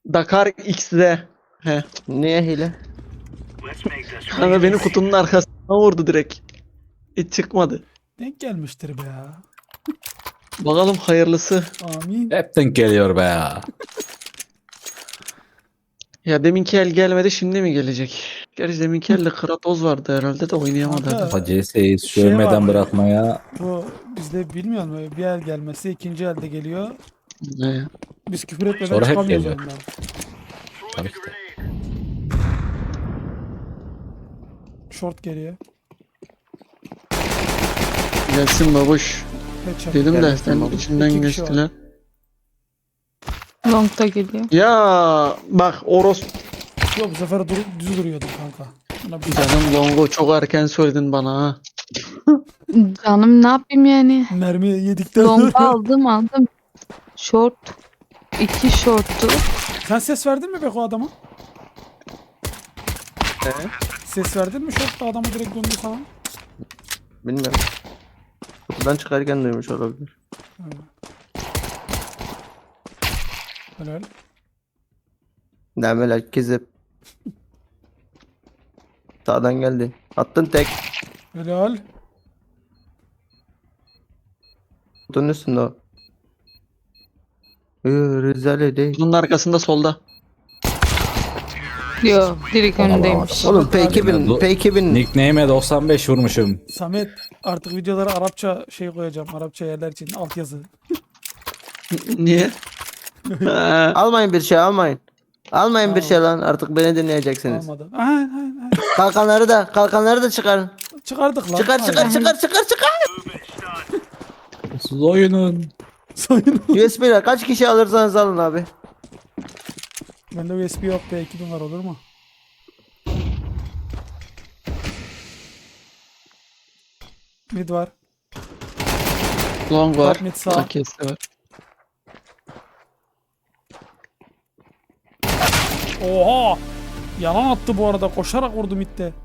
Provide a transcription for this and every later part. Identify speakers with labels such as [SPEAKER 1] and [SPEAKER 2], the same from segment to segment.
[SPEAKER 1] Dakar X'de. He.
[SPEAKER 2] Niye hile?
[SPEAKER 1] Kanka beni kutunun arkasına vurdu direkt. Hiç çıkmadı.
[SPEAKER 3] Denk gelmiştir be ya.
[SPEAKER 1] Bakalım hayırlısı.
[SPEAKER 3] Amin.
[SPEAKER 4] Hep denk geliyor be ya.
[SPEAKER 1] Ya deminki el gelmedi, şimdi mi gelecek? Gerçi deminki elde Kratos vardı herhalde de oynayamadı.
[SPEAKER 3] Kanka,
[SPEAKER 1] herhalde.
[SPEAKER 4] CS'yi
[SPEAKER 3] Şey
[SPEAKER 4] sövmeden
[SPEAKER 3] var.
[SPEAKER 4] bırakmaya
[SPEAKER 3] Bu bizde bilmiyor musun? Bir el gelmesi ikinci elde geliyor.
[SPEAKER 1] Ne?
[SPEAKER 3] Biz küfür etmeden
[SPEAKER 4] Sonra hep
[SPEAKER 3] çıkamıyoruz
[SPEAKER 4] geliyor.
[SPEAKER 3] oyundan.
[SPEAKER 4] tabii ki de.
[SPEAKER 3] Short geliyor.
[SPEAKER 1] Gelsin babuş.
[SPEAKER 3] Headshot.
[SPEAKER 1] Dedim de
[SPEAKER 2] Gelsin
[SPEAKER 1] sen
[SPEAKER 2] babuş.
[SPEAKER 1] içinden
[SPEAKER 3] İki kişi
[SPEAKER 1] geçtiler.
[SPEAKER 5] Long'da geliyor.
[SPEAKER 1] Ya bak Oros
[SPEAKER 3] Yok bu sefer düz duruyordum kanka. Buna bir
[SPEAKER 1] canım Longo çok erken söyledin bana ha.
[SPEAKER 5] Canım ne yapayım yani?
[SPEAKER 3] mermi yedikten
[SPEAKER 5] Long
[SPEAKER 3] sonra.
[SPEAKER 5] aldım. Short. 2 short'tu.
[SPEAKER 3] Sen ses verdin mi Beko adama?
[SPEAKER 2] He?
[SPEAKER 3] Ses verdin mi short'ta adamı direkt döndü sana?
[SPEAKER 2] Bilmiyorum. Kutudan çıkarken duymuş olabilir.
[SPEAKER 3] Helal.
[SPEAKER 2] Demeler kezip. Sağdan geldi. Attın tek.
[SPEAKER 3] Helal.
[SPEAKER 2] Kutunun üstünde o. Rezale değil.
[SPEAKER 1] Bunun arkasında solda.
[SPEAKER 5] Yo direkt
[SPEAKER 4] Ona
[SPEAKER 5] önündeymiş.
[SPEAKER 2] Oğlum
[SPEAKER 3] Abi,
[SPEAKER 2] P2000 P2000
[SPEAKER 4] Nickname'e 95 vurmuşum.
[SPEAKER 3] Samet artık videolara Arapça şey koyacağım. Arapça yerler için altyazı.
[SPEAKER 1] Niye? Ha,
[SPEAKER 2] almayın bir şey almayın. Almayın bir
[SPEAKER 3] Tamam.
[SPEAKER 2] şey lan artık beni dinleyeceksiniz.
[SPEAKER 3] Almadı. Aynen.
[SPEAKER 2] Kalkanları da çıkarın.
[SPEAKER 3] Çıkardık lan.
[SPEAKER 2] Çıkar çıkar
[SPEAKER 3] Aynen.
[SPEAKER 2] çıkar.
[SPEAKER 4] Siz oyunun.
[SPEAKER 3] Sayın.
[SPEAKER 2] USB'ler kaç kişi alırsanız alın abi.
[SPEAKER 3] Bende USB yok be 2000 var olur mu? Mid var.
[SPEAKER 1] Long var.
[SPEAKER 3] Mid sağ.
[SPEAKER 1] AK'si var.
[SPEAKER 3] Oha! Yalan attı bu arada. Koşarak vurdu midde.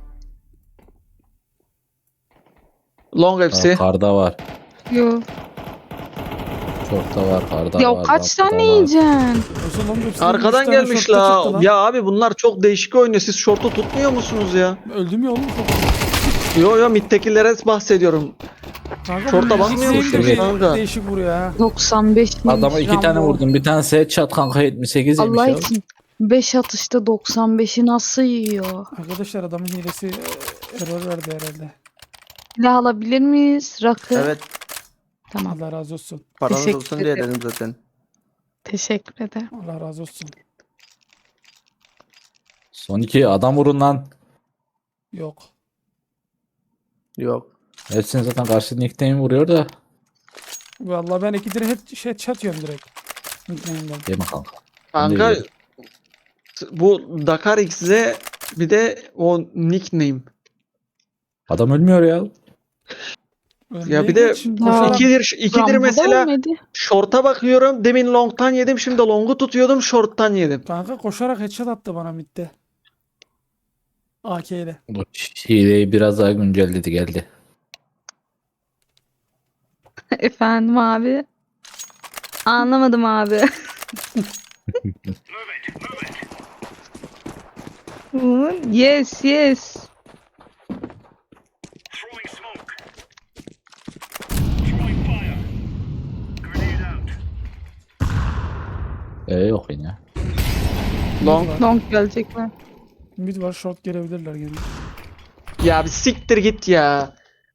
[SPEAKER 1] Long hepsi.
[SPEAKER 4] Karda var.
[SPEAKER 5] Yo.
[SPEAKER 4] Çokta var. Karda
[SPEAKER 5] Ya
[SPEAKER 4] var.
[SPEAKER 5] kaç
[SPEAKER 4] longda
[SPEAKER 5] tane
[SPEAKER 4] var.
[SPEAKER 5] yiyeceksin?
[SPEAKER 3] Yoksa lan hepsinin üç
[SPEAKER 1] Arkadan
[SPEAKER 3] tane
[SPEAKER 1] gelmiş
[SPEAKER 3] short'ta çıktı
[SPEAKER 1] la.
[SPEAKER 3] lan.
[SPEAKER 1] Ya abi bunlar çok değişik oynuyor. Siz şortu tutmuyor musunuz ya?
[SPEAKER 3] Öldüm ya oğlum.
[SPEAKER 1] Yo midtekilere bahsediyorum.
[SPEAKER 3] Kanka,
[SPEAKER 1] Şorta
[SPEAKER 3] bu
[SPEAKER 1] bakmıyor
[SPEAKER 3] ikisi
[SPEAKER 4] musun
[SPEAKER 3] de
[SPEAKER 1] kanka?
[SPEAKER 3] Değişik vuruyor ha.
[SPEAKER 5] 95
[SPEAKER 4] Adama 2 tane
[SPEAKER 5] Rambo.
[SPEAKER 4] vurdum. Bir tanesi headshot kanka 78 yemiş
[SPEAKER 5] Allah
[SPEAKER 4] ya.
[SPEAKER 5] için 5 atışta 95'i nasıl yiyor?
[SPEAKER 3] Arkadaşlar adamın hilesi error verdi herhalde.
[SPEAKER 5] Silah alabilir miyiz? Rakı.
[SPEAKER 2] Evet
[SPEAKER 5] Tamam.
[SPEAKER 3] Allah razı olsun.
[SPEAKER 2] paranız
[SPEAKER 5] Teşekkür
[SPEAKER 2] olsun diye
[SPEAKER 5] ederim.
[SPEAKER 2] dedim zaten.
[SPEAKER 5] Teşekkür ederim.
[SPEAKER 3] Allah razı olsun.
[SPEAKER 4] Son 2 adam vurun lan.
[SPEAKER 3] Yok.
[SPEAKER 2] Yok.
[SPEAKER 4] Hepsini zaten karşı nickname vuruyor da.
[SPEAKER 3] Vallahi ben iki direkt şey çatıyorum direkt. Nickname'den.
[SPEAKER 4] Değil mi kanka?
[SPEAKER 1] Kanka
[SPEAKER 4] Neydi?
[SPEAKER 1] bu Dakar X'de bir de o nickname.
[SPEAKER 4] Adam ölmüyor ya.
[SPEAKER 1] Ya bir de
[SPEAKER 5] Ya.
[SPEAKER 1] ikidir
[SPEAKER 5] Rambo'da
[SPEAKER 1] mesela
[SPEAKER 5] ölmedi.
[SPEAKER 1] short'a bakıyorum. Demin long'tan yedim, şimdi long'u tutuyordum, short'tan yedim.
[SPEAKER 3] Kanka koşarak headshot attı bana midde. AK ile.
[SPEAKER 4] Bu hileyi biraz daha güncelledi geldi.
[SPEAKER 5] Efendim abi. Anlamadım abi. Yes yes.
[SPEAKER 4] Yok yine.
[SPEAKER 1] Long.
[SPEAKER 5] Long gelecekler.
[SPEAKER 3] Mid var short gelebilirler gene.
[SPEAKER 1] Ya bir siktir git ya.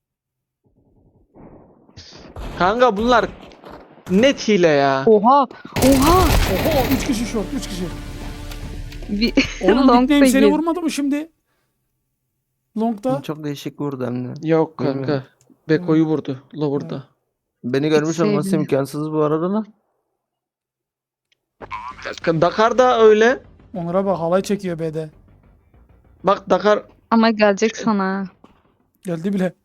[SPEAKER 1] Kanka bunlar net hile ya.
[SPEAKER 5] Oha. Oha.
[SPEAKER 3] Oho 3 kişi short 3 kişi.
[SPEAKER 5] Bir
[SPEAKER 3] Oğlum
[SPEAKER 5] Long da
[SPEAKER 3] nickname seni
[SPEAKER 5] girdi.
[SPEAKER 3] vurmadı mı şimdi? Long'da.
[SPEAKER 2] Çok değişik vurdu hem de.
[SPEAKER 1] Yok kanka.
[SPEAKER 2] Bilmiyorum.
[SPEAKER 1] Beko'yu vurdu. Lower'da.
[SPEAKER 2] Beni görmüş olması
[SPEAKER 5] sevdim.
[SPEAKER 2] imkansız bu arada lan.
[SPEAKER 1] Dakar da öyle.
[SPEAKER 3] Onlara bak halay çekiyor B'de.
[SPEAKER 1] Bak Dakar
[SPEAKER 5] Ama gelecek sana.
[SPEAKER 3] Geldi bile.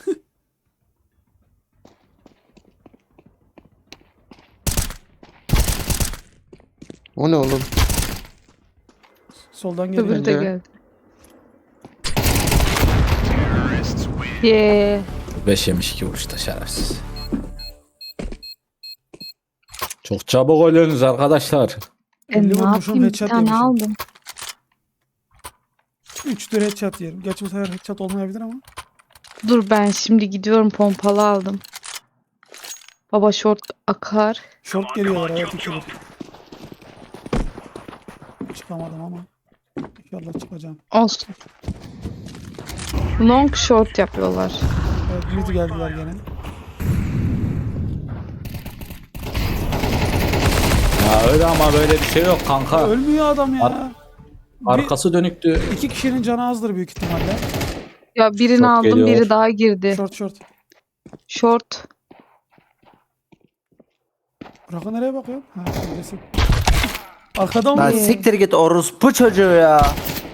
[SPEAKER 2] O ne oğlum?
[SPEAKER 3] Soldan geliyor.
[SPEAKER 5] Öbürü de
[SPEAKER 1] Bence.
[SPEAKER 5] geldi. Yeah.
[SPEAKER 4] 5 yemiş 2 vuruşta şerefsiz. Çok çabuk ölüyorsunuz arkadaşlar.
[SPEAKER 5] Ben
[SPEAKER 3] 50
[SPEAKER 5] ne
[SPEAKER 3] vurmuşum,
[SPEAKER 5] yapayım? Bir
[SPEAKER 3] headshot
[SPEAKER 5] tane
[SPEAKER 3] yemişim.
[SPEAKER 5] aldım.
[SPEAKER 3] 3'tür headshot yerim. Gerçi bu sefer headshot olmayabilir ama.
[SPEAKER 5] Dur ben şimdi gidiyorum, pompalı aldım. Baba short akar.
[SPEAKER 3] Short geliyorlar, evet, ikidir. Çıkamadım ama. İnşallah çıkacağım.
[SPEAKER 5] Olsun. Long short yapıyorlar.
[SPEAKER 3] Evet, mid geldiler gene.
[SPEAKER 4] Ya öyle ama böyle bir şey yok kanka.
[SPEAKER 3] Ölmüyor adam ya.
[SPEAKER 4] Arkası dönüktü.
[SPEAKER 3] İki kişinin canı azdır büyük ihtimalle.
[SPEAKER 5] Ya birini
[SPEAKER 4] Short
[SPEAKER 5] aldım,
[SPEAKER 4] geliyor.
[SPEAKER 5] biri daha girdi.
[SPEAKER 3] Short.
[SPEAKER 5] Short.
[SPEAKER 3] Burak'a nereye bakıyorsun? Ha, şuradasın. Arkadan
[SPEAKER 2] Lan
[SPEAKER 3] mı?
[SPEAKER 2] siktir git orospu çocuğu ya.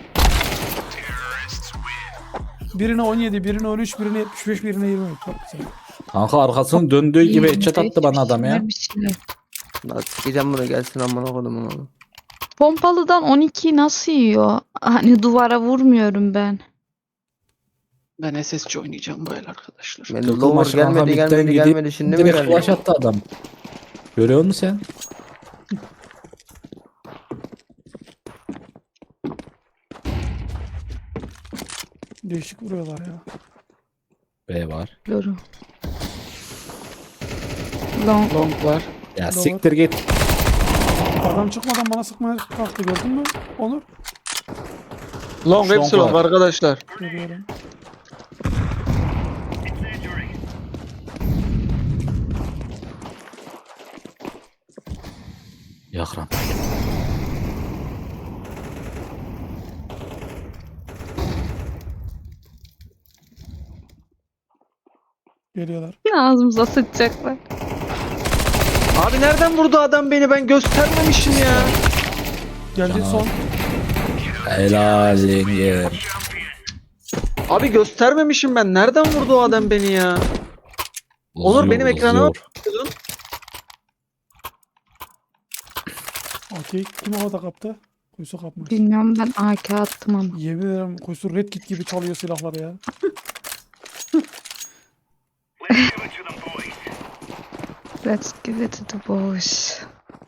[SPEAKER 3] Birine 17, birine 13, birine 75, birine 20. Çok güzel.
[SPEAKER 4] Kanka arkasının döndüğü gibi headshot attı bana adam ya.
[SPEAKER 5] Bir şey.
[SPEAKER 2] Lan sikeceğim bunu, gelsin amına kodumun oğlum.
[SPEAKER 5] Pompalıdan 12 nasıl yiyor? Hani duvara vurmuyorum ben.
[SPEAKER 1] Ben SSC oynayacağım böyle arkadaşlar.
[SPEAKER 2] Ben
[SPEAKER 4] Takım
[SPEAKER 2] lower
[SPEAKER 4] maçı kanka,
[SPEAKER 2] gelmedi
[SPEAKER 4] midden gidip
[SPEAKER 2] gelmedi şimdi mi
[SPEAKER 4] direkt
[SPEAKER 2] geldi?
[SPEAKER 4] flash attı adam. Görüyor musun sen?
[SPEAKER 3] Değişik vuruyorlar ya.
[SPEAKER 4] B var.
[SPEAKER 5] Yorum. Long.
[SPEAKER 1] Long var.
[SPEAKER 4] Ya
[SPEAKER 3] Doğru.
[SPEAKER 4] siktir git.
[SPEAKER 3] Adam çıkmadan bana sıkmaya kalktı, gördün mü? Onur.
[SPEAKER 1] Long
[SPEAKER 4] Long
[SPEAKER 1] hepsi long
[SPEAKER 4] var.
[SPEAKER 1] arkadaşlar.
[SPEAKER 3] Görüyorum.
[SPEAKER 4] Yakram.
[SPEAKER 3] Geliyorlar.
[SPEAKER 5] Ağzımıza sıçacaklar.
[SPEAKER 1] Abi nereden vurdu adam beni? Ben göstermemişim ya.
[SPEAKER 3] Geldi
[SPEAKER 4] Canavar.
[SPEAKER 3] son.
[SPEAKER 4] Helal yenge.
[SPEAKER 1] Abi göstermemişim ben. Nereden vurdu o adam beni ya? Onur, benim ekranıma
[SPEAKER 4] uzuyor.
[SPEAKER 3] Okey. Kim havada kaptı? Kuyusu kapmış.
[SPEAKER 5] Bilmiyorum, ben AK attım ama.
[SPEAKER 3] Yemin ederim Kuyusu Red Kit gibi çalıyor silahları ya.
[SPEAKER 5] Let's give it to the boys.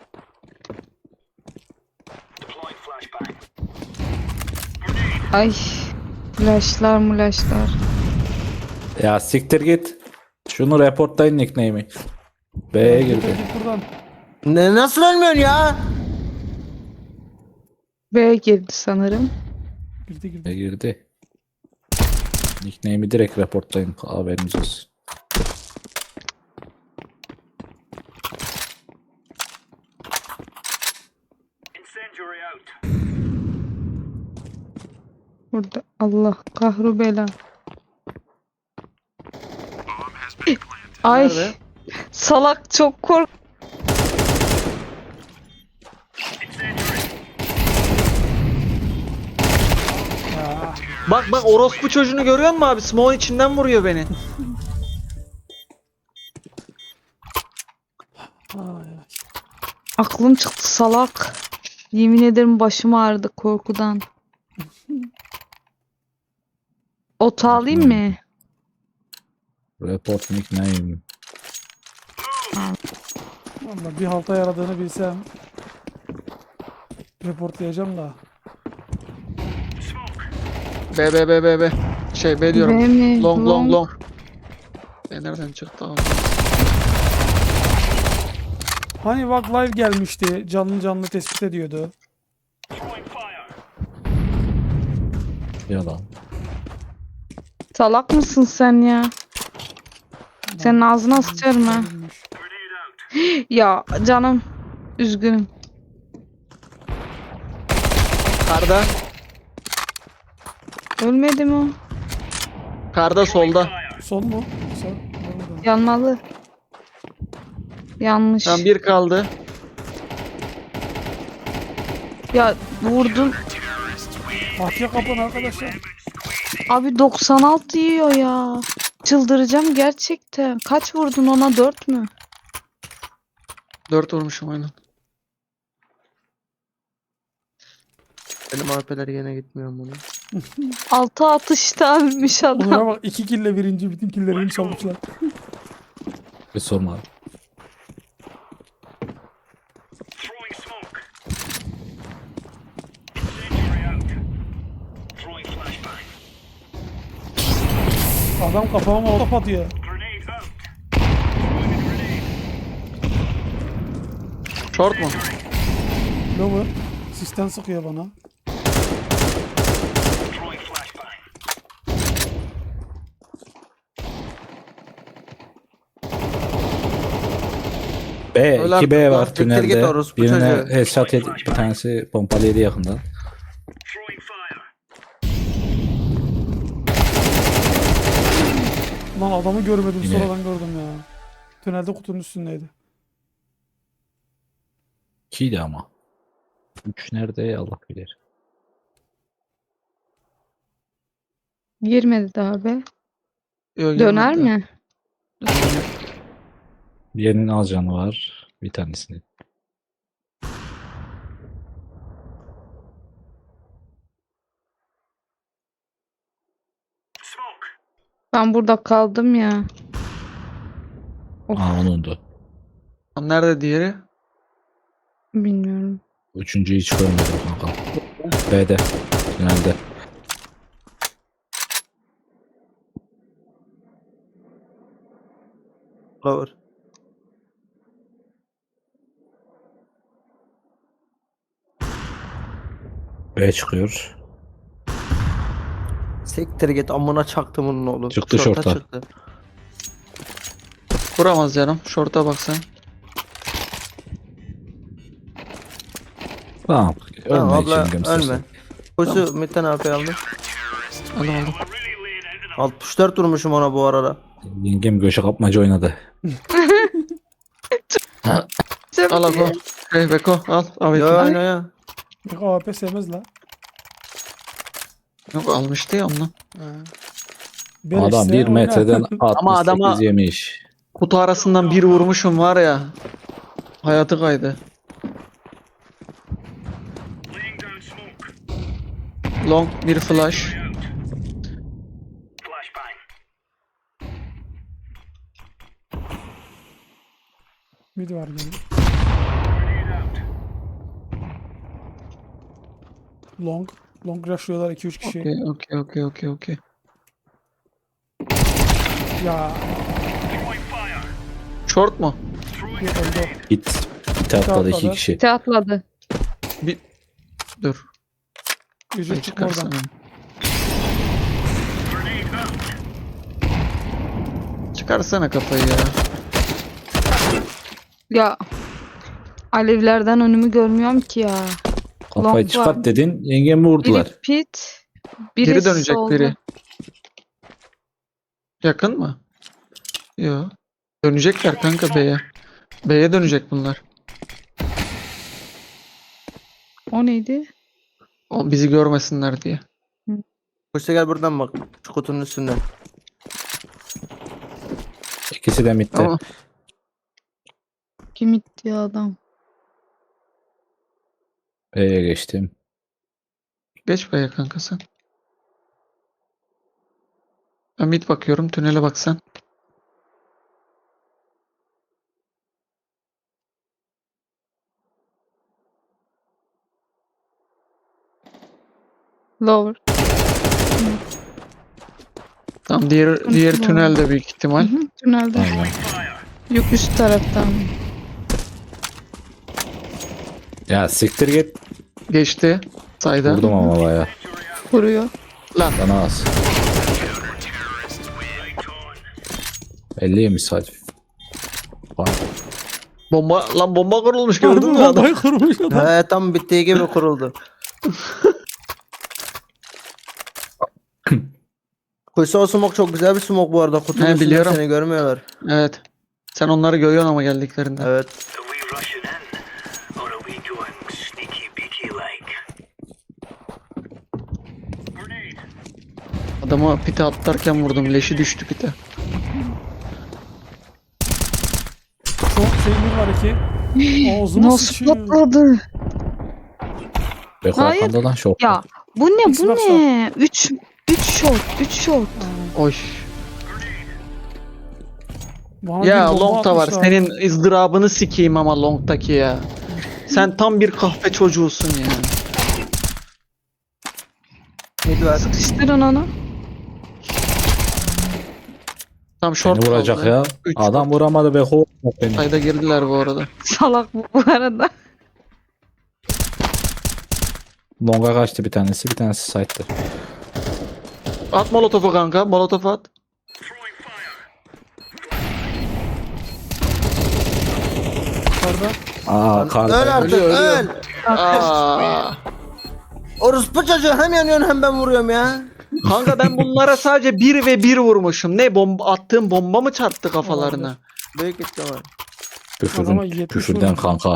[SPEAKER 5] Ay. Flashlar.
[SPEAKER 4] Ya siktir git. Şunu reportlayın nickname'i. B'ye girdi.
[SPEAKER 3] Git buradan.
[SPEAKER 2] Ne, nasıl ölmüyorsun ya?
[SPEAKER 5] B girdi sanırım.
[SPEAKER 3] Girdi.
[SPEAKER 4] B'ye girdi. Nickname'i direkt reportlayın. Haberiniz olsun.
[SPEAKER 5] Burada Allah kahru bela. Ay.
[SPEAKER 1] Nerede?
[SPEAKER 5] Salak, çok kork.
[SPEAKER 3] Ya.
[SPEAKER 1] Bak orospu çocuğunu görüyor musun abi? Smoke'un içinden vuruyor beni.
[SPEAKER 3] Ay.
[SPEAKER 5] Aklım çıktı, salak. Yemin ederim başım ağrıdı korkudan. Ot alayım mı?
[SPEAKER 4] Report nickname.
[SPEAKER 3] Vallahi bir halta yaradığını bilsem reportlayacağım da.
[SPEAKER 1] B. Şey B diyorum.
[SPEAKER 5] B mi?
[SPEAKER 1] Long. B nereden çıktı abi?
[SPEAKER 3] Hani bak live gelmişti. Canlı tespit ediyordu.
[SPEAKER 4] Yalan.
[SPEAKER 5] Salak mısın sen ya? Senin ağzına sıçarım ha.
[SPEAKER 3] Ölmüş.
[SPEAKER 5] Ya canım. Üzgünüm.
[SPEAKER 1] Karda.
[SPEAKER 5] Ölmedi mi o?
[SPEAKER 1] Karda solda.
[SPEAKER 3] Son mu? Son. Orada.
[SPEAKER 5] Yanmalı. Yanlış.
[SPEAKER 1] Tam bir kaldı.
[SPEAKER 5] Ya vurdun.
[SPEAKER 3] Bahçe kapın arkadaşlar.
[SPEAKER 5] Abi 96 yiyor ya. Çıldıracağım gerçekten. Kaç vurdun ona? 4 mü?
[SPEAKER 1] 4 vurmuşum aynen.
[SPEAKER 2] Benim AP'ler yine gitmiyor bunu.
[SPEAKER 5] 6 atışta ölmüş adam.
[SPEAKER 3] Onlara bak, 2 kille birinci, bütün killerini çalmışlar.
[SPEAKER 4] Bir sorma.
[SPEAKER 3] Adam kafama molotof atıyor.
[SPEAKER 1] Short mu?
[SPEAKER 3] Lower. Sisten sıkıyor bana.
[SPEAKER 4] B,
[SPEAKER 2] Öyle
[SPEAKER 4] 2B
[SPEAKER 2] artık
[SPEAKER 4] var
[SPEAKER 2] lan, siktir git
[SPEAKER 4] tünelde.
[SPEAKER 2] orospu
[SPEAKER 4] Birine
[SPEAKER 2] çocuğu.
[SPEAKER 4] headshot yedi, bir tanesi pompalı yedi yakından.
[SPEAKER 3] Lan adamı görmedim,
[SPEAKER 4] Yine-
[SPEAKER 3] sonradan gördüm ya. Tünelde kutunun üstündeydi.
[SPEAKER 4] 2'ydi ama. 3 nerede Allah bilir.
[SPEAKER 5] Girmedi daha be.
[SPEAKER 1] Yok,
[SPEAKER 5] Döner
[SPEAKER 1] girmedi.
[SPEAKER 5] mi?
[SPEAKER 4] Diğerinin az canı var. Bir tanesini.
[SPEAKER 5] Ben burada kaldım ya. Of.
[SPEAKER 4] Aa onundu.
[SPEAKER 1] Lan nerede diğeri?
[SPEAKER 5] Bilmiyorum.
[SPEAKER 4] Üçüncüyü hiç görmedim kanka. B'de. Tünelde.
[SPEAKER 2] Lower.
[SPEAKER 4] B çıkıyor.
[SPEAKER 2] Siktir git amına çaktım onun oğlum.
[SPEAKER 4] Çıktı şorta.
[SPEAKER 2] Çıktı.
[SPEAKER 1] Vuramaz canım. Short'a bak sen.
[SPEAKER 4] Tamam. Ölme
[SPEAKER 2] Tamam abla
[SPEAKER 4] için
[SPEAKER 2] ölme. Koşu Metin abi aldı.
[SPEAKER 1] Aldım.
[SPEAKER 2] 64 vurmuşum ona bu arada.
[SPEAKER 4] Yengem göçe kapmaca oynadı.
[SPEAKER 1] Al Ako. Hey Beko al. Abi.
[SPEAKER 2] Ya oyna ya.
[SPEAKER 3] Yok AWP sevmez la.
[SPEAKER 1] Yok almıştı ya ondan.
[SPEAKER 3] Beleşse
[SPEAKER 4] Adam 1
[SPEAKER 3] oynar.
[SPEAKER 4] metreden 68
[SPEAKER 1] Ama adama-
[SPEAKER 4] yemiş.
[SPEAKER 1] Kutu arasından bir vurmuşum var ya. Hayatı kaydı. Long bir flash.
[SPEAKER 3] Mid var gene. Long. Long rushlıyorlar 2-3 kişi.
[SPEAKER 1] Okey.
[SPEAKER 3] Ya.
[SPEAKER 1] Short mu?
[SPEAKER 3] Bir öldü.
[SPEAKER 4] Git. Bir atladı 2
[SPEAKER 3] atladı.
[SPEAKER 4] kişi.
[SPEAKER 5] Te atladı.
[SPEAKER 1] Dur.
[SPEAKER 3] Yüzü
[SPEAKER 1] Ben
[SPEAKER 3] çıkma oradan.
[SPEAKER 1] çıkarsana. Çıkarsana kafayı ya.
[SPEAKER 5] Ya. Alevlerden önümü görmüyorum ki ya.
[SPEAKER 4] Kafayı
[SPEAKER 5] Long
[SPEAKER 4] çıkart
[SPEAKER 5] var.
[SPEAKER 4] dedin. Yengemi vurdular.
[SPEAKER 5] Biri pit. Biri
[SPEAKER 1] Geri dönecek
[SPEAKER 5] solda.
[SPEAKER 1] biri. Yakın mı? Yok. Dönecekler kanka B'ye. B'ye dönecek bunlar.
[SPEAKER 5] O neydi?
[SPEAKER 1] O bizi görmesinler diye.
[SPEAKER 2] Koşu gel buradan bak. Şu kutunun üstünden.
[SPEAKER 4] İkisi de midde.
[SPEAKER 1] Ama
[SPEAKER 5] Kim itti ya adam?
[SPEAKER 4] B'ye geçtim.
[SPEAKER 1] geç B'ye kanka sen. Ben mid bakıyorum. Tünele bak sen.
[SPEAKER 5] Lower.
[SPEAKER 1] Tamam diğer
[SPEAKER 5] Tamam.
[SPEAKER 1] tünelde büyük ihtimal.
[SPEAKER 5] Hı hı, tünelde.
[SPEAKER 4] Aynen.
[SPEAKER 5] Yok üst taraftan.
[SPEAKER 4] Ya siktir git.
[SPEAKER 1] Geçti. Sayda.
[SPEAKER 4] Vurdum ama baya.
[SPEAKER 5] Vuruyor.
[SPEAKER 1] Lan
[SPEAKER 4] Bana az. 50 yemiş sadece. Bak.
[SPEAKER 1] bomba kurulmuş gördün mü adam?
[SPEAKER 3] Bombayı kurmuş adam.
[SPEAKER 2] He tam bittiği gibi kuruldu. Koşu o smoke çok güzel bir smoke bu arada. Kutunun
[SPEAKER 1] He,
[SPEAKER 2] üstünde
[SPEAKER 1] biliyorum.
[SPEAKER 2] seni görmüyorlar.
[SPEAKER 1] Evet. Sen onları görüyorsun ama geldiklerinde.
[SPEAKER 2] Evet.
[SPEAKER 6] Are we rushing in? Or are we going sneaky beaky like?
[SPEAKER 1] Adamı pite atlarken vurdum. Leşi düştü pite.
[SPEAKER 3] Çok şeyimiz var iki. Ağzıma
[SPEAKER 5] Nasıl
[SPEAKER 3] sıçıyor.
[SPEAKER 5] patladı?
[SPEAKER 4] Beko
[SPEAKER 5] Hayır.
[SPEAKER 4] arkanda lan şok.
[SPEAKER 5] Ya bu ne bu
[SPEAKER 3] Xbox'ta.
[SPEAKER 5] ne? 3 shot. 3 shot.
[SPEAKER 1] Oy.
[SPEAKER 3] Bana
[SPEAKER 1] Ya
[SPEAKER 3] bir bomba
[SPEAKER 1] Long'ta var.
[SPEAKER 3] atmışlar.
[SPEAKER 1] Senin ızdırabını sikeyim ama Long'taki ya. Sen tam bir kahpe çocuğusun ya.
[SPEAKER 2] Mid var.
[SPEAKER 5] Sıkıştırın onu.
[SPEAKER 1] Tam short
[SPEAKER 4] Beni vuracak
[SPEAKER 1] kaldı.
[SPEAKER 4] ya.
[SPEAKER 1] Üç
[SPEAKER 4] Adam
[SPEAKER 1] short.
[SPEAKER 4] vuramadı be kovacak beni.
[SPEAKER 1] Sayda girdiler bu arada.
[SPEAKER 5] Salak bu arada.
[SPEAKER 4] Longa kaçtı bir tanesi side'dı.
[SPEAKER 1] At molotofu kanka. Molotofu at.
[SPEAKER 3] Yukarıda.
[SPEAKER 4] Aa
[SPEAKER 2] Öl
[SPEAKER 4] karda.
[SPEAKER 2] artık
[SPEAKER 1] Ölüyor, ölüyor.
[SPEAKER 2] öl.
[SPEAKER 1] Aa.
[SPEAKER 2] Orospu çocuğu hem yanıyorsun hem ben vuruyorum ya.
[SPEAKER 1] Kanka ben bunlara sadece 1 ve 1 vurmuşum. Ne bomba attığım bomba mı çarptı kafalarına?
[SPEAKER 2] Büyük ihtimal.
[SPEAKER 3] Adama
[SPEAKER 4] Küfürden,
[SPEAKER 3] 70
[SPEAKER 4] küfürden
[SPEAKER 3] vurmuş.
[SPEAKER 4] kanka.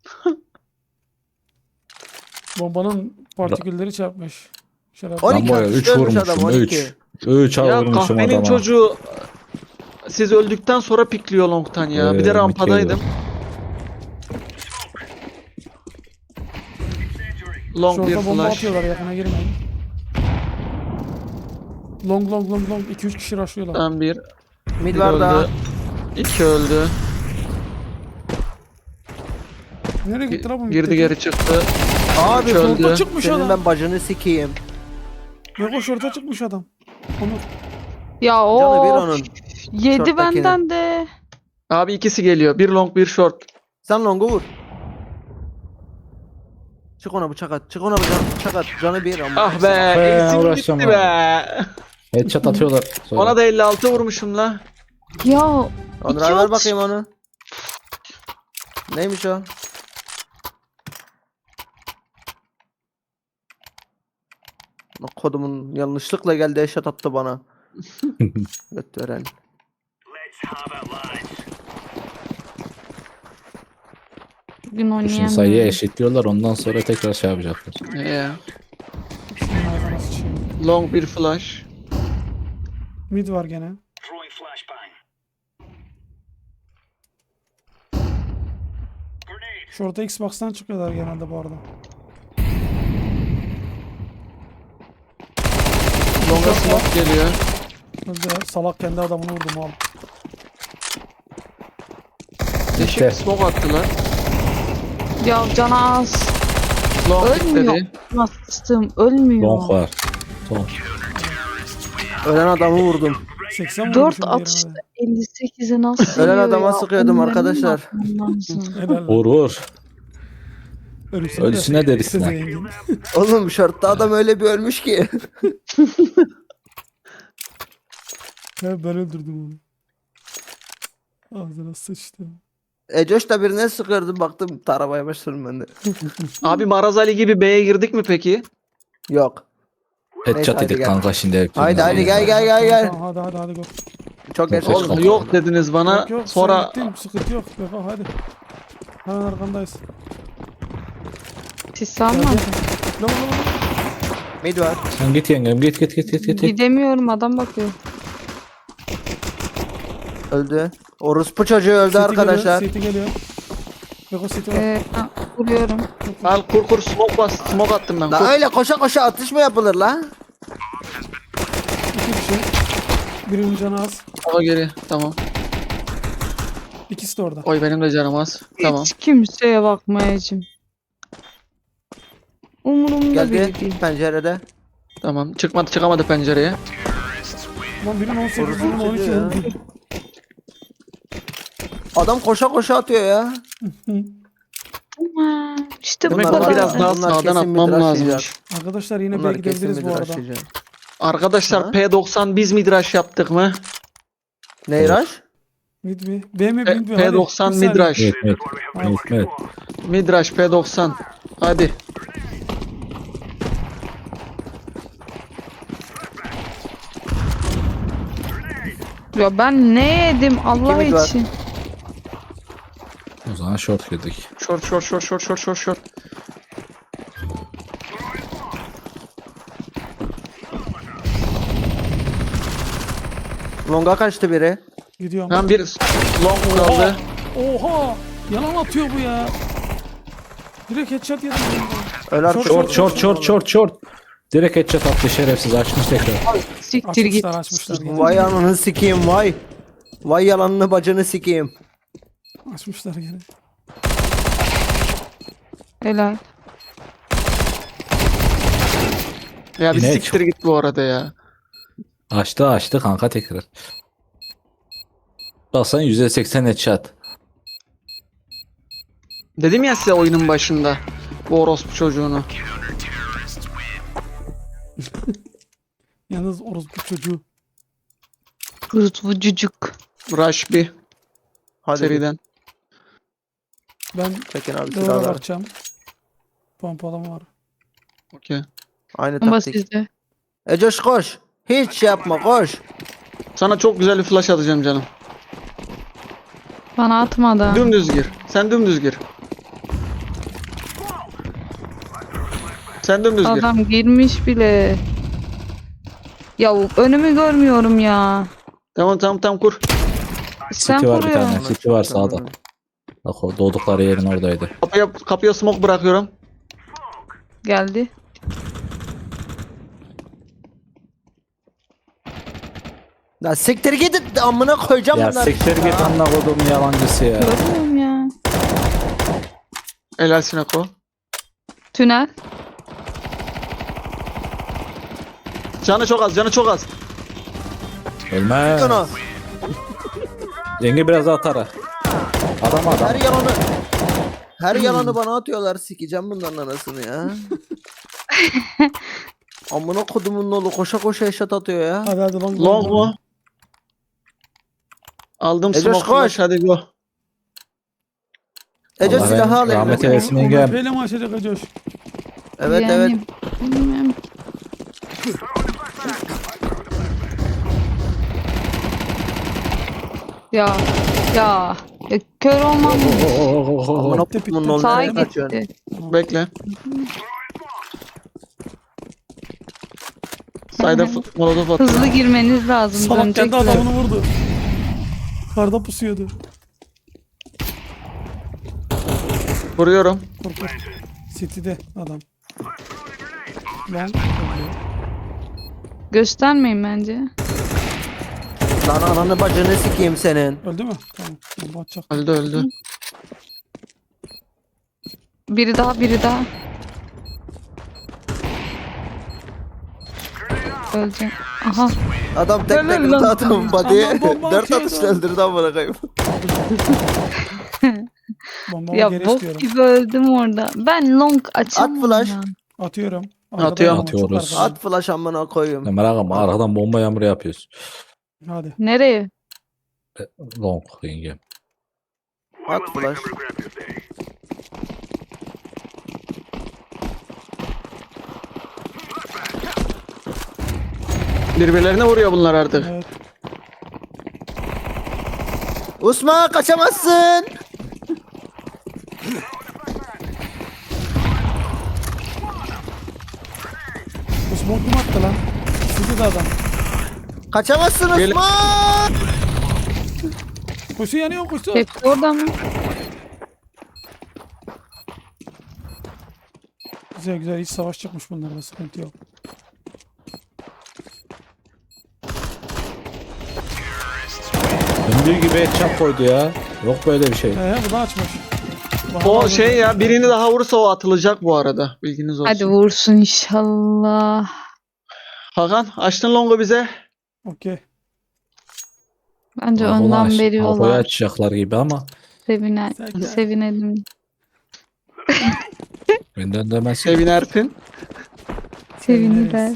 [SPEAKER 3] Bombanın partikülleri çarpmış. Şöyle
[SPEAKER 2] 12
[SPEAKER 4] Ben boya 3
[SPEAKER 2] atışta ölmüş adam,
[SPEAKER 4] vurmuşum
[SPEAKER 2] 12.
[SPEAKER 4] 3. 3
[SPEAKER 1] Ya
[SPEAKER 4] vurmuşum
[SPEAKER 1] kahvenin
[SPEAKER 4] adama.
[SPEAKER 1] çocuğu siz öldükten sonra pikliyor long'tan ya. Bir de rampadaydım. Long bir
[SPEAKER 3] şorta bomba
[SPEAKER 1] flash.
[SPEAKER 3] atıyorlar, yakına girmeyin. Long 2-3 kişi rushlıyorlar.
[SPEAKER 1] Ben bir.
[SPEAKER 2] Mid
[SPEAKER 1] Bir
[SPEAKER 2] var daha.
[SPEAKER 1] öldü. 2 öldü.
[SPEAKER 3] Nereye gitti la bu?
[SPEAKER 1] Girdi geri çıktı.
[SPEAKER 2] Abi
[SPEAKER 1] Üç öldü.
[SPEAKER 3] Şorta çıkmış
[SPEAKER 2] senin
[SPEAKER 3] adam.
[SPEAKER 2] ben bacını sikeyim.
[SPEAKER 3] Yok, o şorta çıkmış adam. Onur.
[SPEAKER 5] Ya
[SPEAKER 2] Canı bir
[SPEAKER 5] o
[SPEAKER 2] onun.
[SPEAKER 5] yedi
[SPEAKER 2] Short'takinin.
[SPEAKER 5] benden de.
[SPEAKER 1] Abi ikisi geliyor. Bir long bir short.
[SPEAKER 2] Sen longu vur. Çık ona bıçak at. Çık ona bıçak at. Canı bir ama.
[SPEAKER 1] Ah be.
[SPEAKER 4] Be,
[SPEAKER 1] Eksim
[SPEAKER 4] uğraşacağım
[SPEAKER 1] gitti be.
[SPEAKER 4] Headshot atıyorlar. Sonra.
[SPEAKER 1] Ona da 56 vurmuşum la.
[SPEAKER 5] Ya
[SPEAKER 2] Onur
[SPEAKER 5] İki
[SPEAKER 2] abi ver
[SPEAKER 5] atış.
[SPEAKER 2] bakayım onu. Neymiş o? Bak kodumun yanlışlıkla geldi eşat attı bana. Götüren.
[SPEAKER 6] Let's have it, lads.
[SPEAKER 5] bugün
[SPEAKER 4] Şimdi
[SPEAKER 5] oynayamıyorum.
[SPEAKER 4] sayıyı eşitliyorlar ondan sonra tekrar şey yapacaklar.
[SPEAKER 1] Ya.
[SPEAKER 3] Şunun ağzına sıçayım.
[SPEAKER 1] Long bir flash.
[SPEAKER 3] Mid var gene.
[SPEAKER 6] Throwing flashbang. Grenade.
[SPEAKER 3] Şorta Xbox'tan çıkıyorlar genelde bu arada.
[SPEAKER 1] Long'a smoke geliyor.
[SPEAKER 3] Öldüler. Salak kendi adamını vurdu mal.
[SPEAKER 1] Değişik bir smoke attılar.
[SPEAKER 5] Ya cana az.
[SPEAKER 1] Long
[SPEAKER 5] Ölmüyor.
[SPEAKER 1] dedi.
[SPEAKER 5] Bastım ölmüyor.
[SPEAKER 4] Long var. Son.
[SPEAKER 2] Ölen adamı vurdum.
[SPEAKER 3] 80
[SPEAKER 5] 4
[SPEAKER 3] vurmuşum
[SPEAKER 5] atışta
[SPEAKER 3] diğerine
[SPEAKER 5] 58'e nasıl
[SPEAKER 2] Ölen
[SPEAKER 5] yiyor
[SPEAKER 2] adama
[SPEAKER 5] ya?
[SPEAKER 2] sıkıyordum
[SPEAKER 5] Onların
[SPEAKER 2] arkadaşlar.
[SPEAKER 5] bakmam lazım.
[SPEAKER 3] de. Helal lan.
[SPEAKER 4] Vur vur.
[SPEAKER 3] Ölüsüne,
[SPEAKER 4] Ölüsüne derisine.
[SPEAKER 3] zengin.
[SPEAKER 2] Oğlum şortta adam öyle bir ölmüş ki.
[SPEAKER 3] He, ben öldürdüm onu. Ağzına sıçtım.
[SPEAKER 2] Ecoş da birine sıkıyordum baktım taramaya başladım ben de.
[SPEAKER 1] Abi Maraz Ali gibi B'ye girdik mi peki?
[SPEAKER 2] Yok.
[SPEAKER 4] Headshot
[SPEAKER 2] hadi
[SPEAKER 4] yedik
[SPEAKER 2] gel.
[SPEAKER 4] kanka şimdi.
[SPEAKER 2] Haydi hadi gel gel.
[SPEAKER 3] Tamam, hadi go.
[SPEAKER 2] Çok geç
[SPEAKER 4] Yok,
[SPEAKER 2] oldu.
[SPEAKER 1] Oğlum yok dediniz bana.
[SPEAKER 3] Yok yok,
[SPEAKER 1] Sonra
[SPEAKER 3] sen gittin, sıkıntı yok. Yok hadi. Hemen arkandayız.
[SPEAKER 5] Siz
[SPEAKER 3] Gel,
[SPEAKER 5] salma.
[SPEAKER 3] gel. Lan.
[SPEAKER 2] Mid var.
[SPEAKER 4] Sen git yengem git.
[SPEAKER 5] Gidemiyorum adam bakıyor.
[SPEAKER 2] Öldü. Orospu çocuğu öldü arkadaşlar.
[SPEAKER 3] City geliyor. Yok o City var.
[SPEAKER 5] Vuruyorum.
[SPEAKER 1] al kur smoke bas. Smoke attım ben.
[SPEAKER 2] La
[SPEAKER 1] Kur.
[SPEAKER 2] öyle koşa koşa atış mı yapılır la?
[SPEAKER 3] 2 kişi. Birinin canı az.
[SPEAKER 1] Smoke'a geri. Tamam.
[SPEAKER 3] İkisi de orada.
[SPEAKER 1] Oy benim de canım az. Tamam.
[SPEAKER 5] Hiç kimseye bakmayacağım. Umurumda bile
[SPEAKER 2] Geldi
[SPEAKER 5] değil.
[SPEAKER 2] pencerede.
[SPEAKER 1] Tamam. Çıkamadı pencereye.
[SPEAKER 3] Lan birinin 18,
[SPEAKER 2] Orası
[SPEAKER 3] birinin 12
[SPEAKER 2] çocuğu ya.
[SPEAKER 3] oldu.
[SPEAKER 2] Adam koşa koşa atıyor ya.
[SPEAKER 5] Aman, İşte bu
[SPEAKER 1] Demek
[SPEAKER 2] Bunlar
[SPEAKER 1] ona
[SPEAKER 5] kadar.
[SPEAKER 1] biraz daha
[SPEAKER 2] Bunlar
[SPEAKER 1] sağdan
[SPEAKER 2] kesin
[SPEAKER 1] atmam
[SPEAKER 2] midrash
[SPEAKER 1] lazımmış.
[SPEAKER 2] yiyecek.
[SPEAKER 3] Arkadaşlar yine B'ye
[SPEAKER 2] Bunlar kesin
[SPEAKER 3] gidebiliriz bu arada.
[SPEAKER 2] midrash.
[SPEAKER 1] Arkadaşlar
[SPEAKER 2] Ha?
[SPEAKER 1] P90 biz midrash yaptık mı?
[SPEAKER 2] Neyraş?
[SPEAKER 3] Mid mi? B mi?
[SPEAKER 1] P-
[SPEAKER 3] Mid mi? Hadi,
[SPEAKER 1] P90
[SPEAKER 3] bir saniye.
[SPEAKER 1] midrash.
[SPEAKER 4] Evet.
[SPEAKER 1] Midrash P90. Hadi.
[SPEAKER 5] Ya ben ne yedim Allah
[SPEAKER 2] Kimi var?
[SPEAKER 5] için.
[SPEAKER 4] O zaman short girdik.
[SPEAKER 1] Short.
[SPEAKER 2] Longa kaçtı biri.
[SPEAKER 3] Gidiyorum.
[SPEAKER 1] Ben bir long kaldı.
[SPEAKER 3] Oha! Yalan atıyor bu ya. Direkt headshot yedim.
[SPEAKER 2] Öl artık.
[SPEAKER 4] Short. Direkt headshot attı şerefsiz açmış tekrar.
[SPEAKER 5] Siktir git.
[SPEAKER 3] Açmışlar gene.
[SPEAKER 2] Vay ananı sikeyim vay. Vay yalanını bacını sikeyim.
[SPEAKER 3] Açmışlar gene.
[SPEAKER 5] Helal.
[SPEAKER 1] Ya bir
[SPEAKER 4] Yine
[SPEAKER 1] siktir git bu arada ya.
[SPEAKER 4] Açtı kanka tekrar. Baksan %80 headshot.
[SPEAKER 1] Dedim ya size oyunun başında. Bu orospu çocuğunu.
[SPEAKER 3] Yalnız orospu çocuğu.
[SPEAKER 5] Kurutlu cücük.
[SPEAKER 1] Rush bir
[SPEAKER 2] Hadi
[SPEAKER 1] seriden.
[SPEAKER 3] Ben
[SPEAKER 2] çekin abi
[SPEAKER 3] doğru
[SPEAKER 2] silahları.
[SPEAKER 3] bakacağım. Pompalama var.
[SPEAKER 1] Okey.
[SPEAKER 2] Aynı
[SPEAKER 5] Ama
[SPEAKER 2] taktik.
[SPEAKER 5] sizde.
[SPEAKER 2] Ecoş koş. Hiç şey yapma koş.
[SPEAKER 1] Sana çok güzel bir flash atacağım canım.
[SPEAKER 5] Bana atmadı.
[SPEAKER 1] Dümdüz gir. Sen dümdüz gir. Sen dümdüz gir.
[SPEAKER 5] Adam girmiş bile. Ya önümü görmüyorum ya.
[SPEAKER 1] Tamam kur.
[SPEAKER 5] Sen
[SPEAKER 4] City var bir
[SPEAKER 5] kuruyorsun.
[SPEAKER 4] tane. City var sağda. Bak o doğdukları yerin oradaydı.
[SPEAKER 1] Kapıya smoke bırakıyorum.
[SPEAKER 5] Geldi.
[SPEAKER 2] Ya siktir git amına koyacağım
[SPEAKER 4] Ya
[SPEAKER 2] bunları.
[SPEAKER 4] siktir git amına kodum yalancısı ya.
[SPEAKER 5] Görmüyorum ya.
[SPEAKER 1] Helal Sinako.
[SPEAKER 5] Tünel.
[SPEAKER 1] Canı çok az.
[SPEAKER 4] Ölmez.
[SPEAKER 2] Onu.
[SPEAKER 4] Yenge biraz daha tara. Adam.
[SPEAKER 2] Her yalanı bana atıyorlar, sikeceğim bunların anasını ya. Amına kodumun oğlu koşa koşa eşat atıyor ya.
[SPEAKER 3] Hadi long.
[SPEAKER 1] Long mu? Aldım
[SPEAKER 2] Ecoş,
[SPEAKER 1] smoke
[SPEAKER 2] koş.
[SPEAKER 1] flash, hadi go.
[SPEAKER 2] Ece
[SPEAKER 4] Allah
[SPEAKER 2] silahı al
[SPEAKER 4] rahmet
[SPEAKER 2] eline.
[SPEAKER 4] eylesin
[SPEAKER 3] Onu
[SPEAKER 4] yengem.
[SPEAKER 3] böyle mi açacak Acoş?
[SPEAKER 2] Evet
[SPEAKER 5] Yani,
[SPEAKER 2] evet.
[SPEAKER 5] bilmiyorum. Ya. Ya. Kör olmam.
[SPEAKER 2] Amına
[SPEAKER 3] Bitti,
[SPEAKER 2] kodumun
[SPEAKER 3] bitti.
[SPEAKER 2] oğlu
[SPEAKER 5] Sağa
[SPEAKER 2] nereye kaçıyorsun?
[SPEAKER 5] gitti.
[SPEAKER 1] Bekle. Sayda molotof atıyor.
[SPEAKER 5] Hızlı girmeniz lazım.
[SPEAKER 3] Salak kendi
[SPEAKER 5] Dönecekler.
[SPEAKER 3] adamını vurdu. Karda pusuyordu.
[SPEAKER 1] Vuruyorum.
[SPEAKER 3] Korkut. City'de adam. Long.
[SPEAKER 5] Göstermeyin bence.
[SPEAKER 2] Lan ananı bacını sikeyim senin.
[SPEAKER 3] Öldü mü? Tamam. Bomba atacak.
[SPEAKER 1] Öldü.
[SPEAKER 5] Biri daha. Ölecek. Aha.
[SPEAKER 2] Adam tek
[SPEAKER 5] Helal
[SPEAKER 2] tek
[SPEAKER 5] lan.
[SPEAKER 2] adam body'ye
[SPEAKER 3] Adam bomba
[SPEAKER 2] 4
[SPEAKER 3] atıyor
[SPEAKER 2] atış
[SPEAKER 3] lan.
[SPEAKER 2] öldürdü amına koyayım.
[SPEAKER 3] Bombamı
[SPEAKER 5] Ya
[SPEAKER 3] geri
[SPEAKER 5] bok
[SPEAKER 3] istiyorum.
[SPEAKER 5] gibi öldüm orada. Ben long açamam.
[SPEAKER 2] At flash.
[SPEAKER 5] ya.
[SPEAKER 3] Atıyorum.
[SPEAKER 1] Atıyorum.
[SPEAKER 3] Arkada çok
[SPEAKER 4] Atıyoruz.
[SPEAKER 3] arkada.
[SPEAKER 2] At flash amına koyayım.
[SPEAKER 4] Ne merak etme arkadan bomba yağmuru yapıyoruz.
[SPEAKER 3] Hadi.
[SPEAKER 5] Nereye?
[SPEAKER 4] Long yengem.
[SPEAKER 2] At flash.
[SPEAKER 1] Birbirlerine vuruyor bunlar artık.
[SPEAKER 3] Evet.
[SPEAKER 2] Osman kaçamazsın.
[SPEAKER 3] Bu smoke kim attı lan? City'de adam.
[SPEAKER 2] Kaçamazsın
[SPEAKER 1] Gel-
[SPEAKER 2] Osman.
[SPEAKER 3] Kuşu yanıyor kuşu.
[SPEAKER 5] Hepsi orada mı?
[SPEAKER 3] Güzel güzel hiç savaş çıkmış bunlarda sıkıntı yok.
[SPEAKER 4] Döndüğü gibi headshot koydu ya. Yok böyle bir şey.
[SPEAKER 3] Bu da açmış.
[SPEAKER 1] O şey ya, birini daha vurursa o atılacak bu arada. Bilginiz olsun.
[SPEAKER 5] Hadi vursun inşallah.
[SPEAKER 1] Hakan açtın longu bize.
[SPEAKER 3] Okey.
[SPEAKER 5] Bence
[SPEAKER 4] Ulan
[SPEAKER 5] ondan
[SPEAKER 4] Kafayı
[SPEAKER 5] veriyorlar.
[SPEAKER 4] açacaklar gibi ama
[SPEAKER 5] Sevinelim.
[SPEAKER 4] benden demez.
[SPEAKER 1] Sevinersin.
[SPEAKER 5] Sevinirler.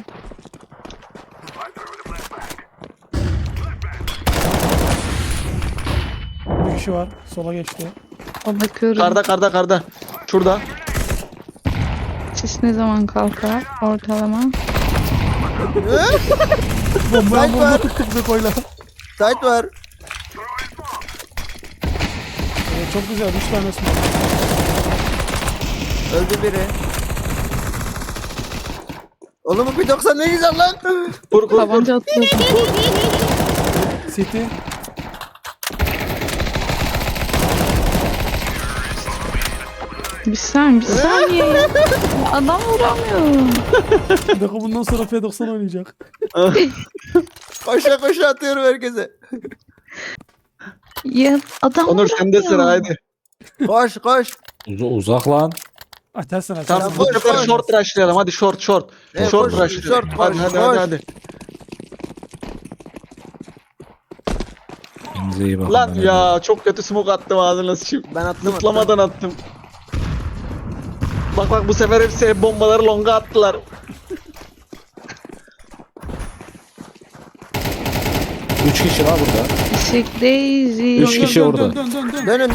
[SPEAKER 3] Bir kişi var. Sola geçti.
[SPEAKER 5] O bakıyorum.
[SPEAKER 1] Karda. Şurada.
[SPEAKER 5] Sis ne zaman kalkar? Ortalama.
[SPEAKER 3] Bombaya
[SPEAKER 2] Sniper.
[SPEAKER 3] bomba tuttuk bize koyla.
[SPEAKER 2] Tight var.
[SPEAKER 3] Çok güzel. 3 tane smoke.
[SPEAKER 2] Öldü biri. Oğlum bu 1.90 ne güzel lan.
[SPEAKER 1] Kur.
[SPEAKER 5] Tabanca atıyorsun.
[SPEAKER 3] City.
[SPEAKER 5] Bir saniye. Ya. Adam vuramıyorum.
[SPEAKER 3] Bir dakika bundan sonra P90 oynayacak.
[SPEAKER 2] Koşa koşa atıyorum herkese.
[SPEAKER 5] Ya adam
[SPEAKER 1] Onur sende
[SPEAKER 5] vuramıyor.
[SPEAKER 1] sıra, hadi.
[SPEAKER 2] Koş koş.
[SPEAKER 4] Uzak lan.
[SPEAKER 3] Atarsın
[SPEAKER 1] Tamam,
[SPEAKER 3] atarsın.
[SPEAKER 1] bu
[SPEAKER 2] koş,
[SPEAKER 1] sefer
[SPEAKER 2] koş.
[SPEAKER 1] short rushlayalım. Hadi short.
[SPEAKER 2] Evet,
[SPEAKER 1] Short
[SPEAKER 2] koş,
[SPEAKER 1] rushlayalım.
[SPEAKER 2] short,
[SPEAKER 1] Hadi.
[SPEAKER 2] koş.
[SPEAKER 1] Hadi.
[SPEAKER 4] Elinize Kendinize iyi bakın.
[SPEAKER 1] Lan
[SPEAKER 4] Ben
[SPEAKER 1] ya çok kötü smoke attım ağzına sıçayım.
[SPEAKER 2] Ben attım.
[SPEAKER 1] Zıplamadan attım. Bak bu sefer hep bombaları longa attılar.
[SPEAKER 4] Üç kişi var burada.
[SPEAKER 5] Işık Daisy.
[SPEAKER 4] Üç kişi orada.
[SPEAKER 3] Dön.
[SPEAKER 2] Dönün.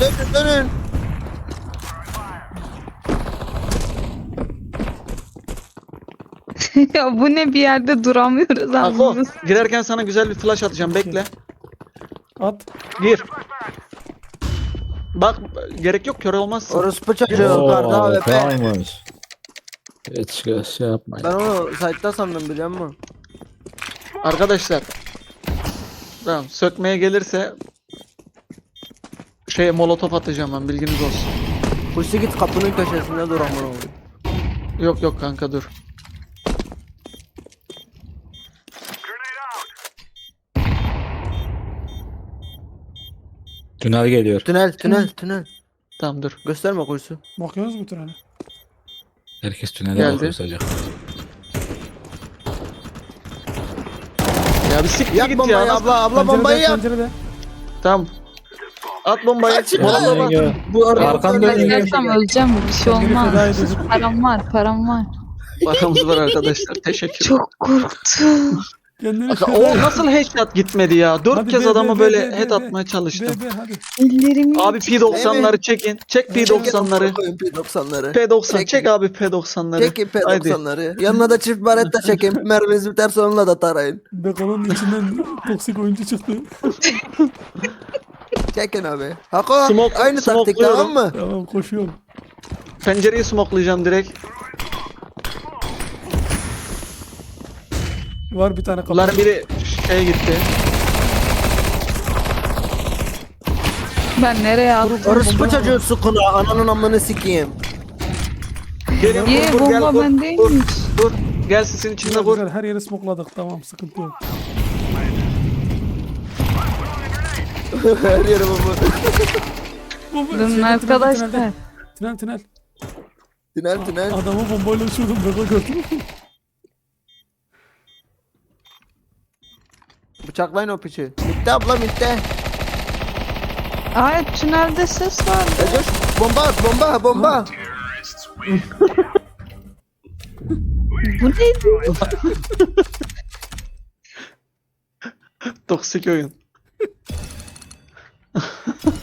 [SPEAKER 5] Ya bu ne, bir yerde duramıyoruz
[SPEAKER 1] Ako
[SPEAKER 5] anladınız.
[SPEAKER 1] girerken sana güzel bir flash atacağım bekle.
[SPEAKER 3] At.
[SPEAKER 1] Gir. Bak gerek yok kör olmazsın.
[SPEAKER 2] Orospu çocuğu
[SPEAKER 4] Oo,
[SPEAKER 2] karda AWP.
[SPEAKER 4] tamammış. Hiç şey yapmayın.
[SPEAKER 2] Ben onu site'da sandım biliyor musun?
[SPEAKER 1] Arkadaşlar. Tamam sökmeye gelirse molotof atacağım ben bilginiz olsun.
[SPEAKER 2] Kuşu git kapının köşesinde dur amına oğlum.
[SPEAKER 1] Yok kanka dur.
[SPEAKER 4] Tünel geliyor.
[SPEAKER 2] Tünel.
[SPEAKER 1] Tamam dur.
[SPEAKER 2] Gösterme kuşu.
[SPEAKER 3] Bakıyoruz bu trene.
[SPEAKER 4] Herkes tünele
[SPEAKER 1] Geldi.
[SPEAKER 4] bakıyor sadece.
[SPEAKER 1] Ya bir siktir
[SPEAKER 2] Yak
[SPEAKER 1] git
[SPEAKER 2] bombayı
[SPEAKER 1] ya.
[SPEAKER 2] abla bombayı yak.
[SPEAKER 3] Pencerede.
[SPEAKER 1] Tamam. At bombayı.
[SPEAKER 2] Açık
[SPEAKER 1] Molotof
[SPEAKER 2] lan.
[SPEAKER 1] at.
[SPEAKER 4] Yenge,
[SPEAKER 2] Bu arada
[SPEAKER 4] Arkanda
[SPEAKER 5] Ben gelsem öleceğim, bir şey
[SPEAKER 3] Kendini feda
[SPEAKER 5] olmaz.
[SPEAKER 3] edecek.
[SPEAKER 5] Param var.
[SPEAKER 1] Paramız var arkadaşlar. Teşekkür.
[SPEAKER 5] Çok korktum.
[SPEAKER 3] Kendini
[SPEAKER 1] Bak,
[SPEAKER 3] feda
[SPEAKER 1] o
[SPEAKER 3] et.
[SPEAKER 1] nasıl headshot gitmedi ya? 4
[SPEAKER 3] Hadi
[SPEAKER 1] kez
[SPEAKER 3] be,
[SPEAKER 1] adamı
[SPEAKER 3] be,
[SPEAKER 1] böyle
[SPEAKER 3] be,
[SPEAKER 1] head
[SPEAKER 3] be,
[SPEAKER 1] atmaya çalıştım.
[SPEAKER 3] Be hadi.
[SPEAKER 5] Ellerimi
[SPEAKER 1] Abi P90'ları çekin. Çek P90'ları.
[SPEAKER 2] P90'ları.
[SPEAKER 1] P90
[SPEAKER 2] Çek.
[SPEAKER 1] çek abi P90'ları.
[SPEAKER 2] Çekin P90'ları. Yanına da çift baretta çekin. Merminiz biterse onunla da tarayın.
[SPEAKER 3] Beko'nun içinden toksik oyuncu çıktı.
[SPEAKER 2] Çekin abi. Hako
[SPEAKER 1] Smoke-
[SPEAKER 2] aynı taktik
[SPEAKER 1] smokluyorum.
[SPEAKER 2] tamam mı?
[SPEAKER 3] Tamam koşuyorum.
[SPEAKER 1] Pencereyi smoklayacağım direkt.
[SPEAKER 3] Var bir tane kapı.
[SPEAKER 1] Bunların biri gitti.
[SPEAKER 5] ben nereye attım?
[SPEAKER 2] Orospu çocuğu sukuna ananın amını sikeyim.
[SPEAKER 1] Gelin
[SPEAKER 5] Ye
[SPEAKER 1] vur, gel,
[SPEAKER 5] bomba
[SPEAKER 1] vur,
[SPEAKER 5] bendeymiş.
[SPEAKER 1] Dur. Gel sisin içinde
[SPEAKER 3] Güzel,
[SPEAKER 1] vur.
[SPEAKER 3] güzel, her yeri smokladık, tamam, sıkıntı yok.
[SPEAKER 2] Her yere bomba.
[SPEAKER 5] Durun arkadaşlar.
[SPEAKER 3] Tünel.
[SPEAKER 2] Tünel.
[SPEAKER 3] Adamı bombayla uçurdum, Beko gördüm.
[SPEAKER 2] Bıçaklayın o piçi. Bitti abla bitti.
[SPEAKER 5] Ay tünelde ses var.
[SPEAKER 2] Ecoş bomba at bomba.
[SPEAKER 5] Bu neydi?
[SPEAKER 1] Toksik oyun.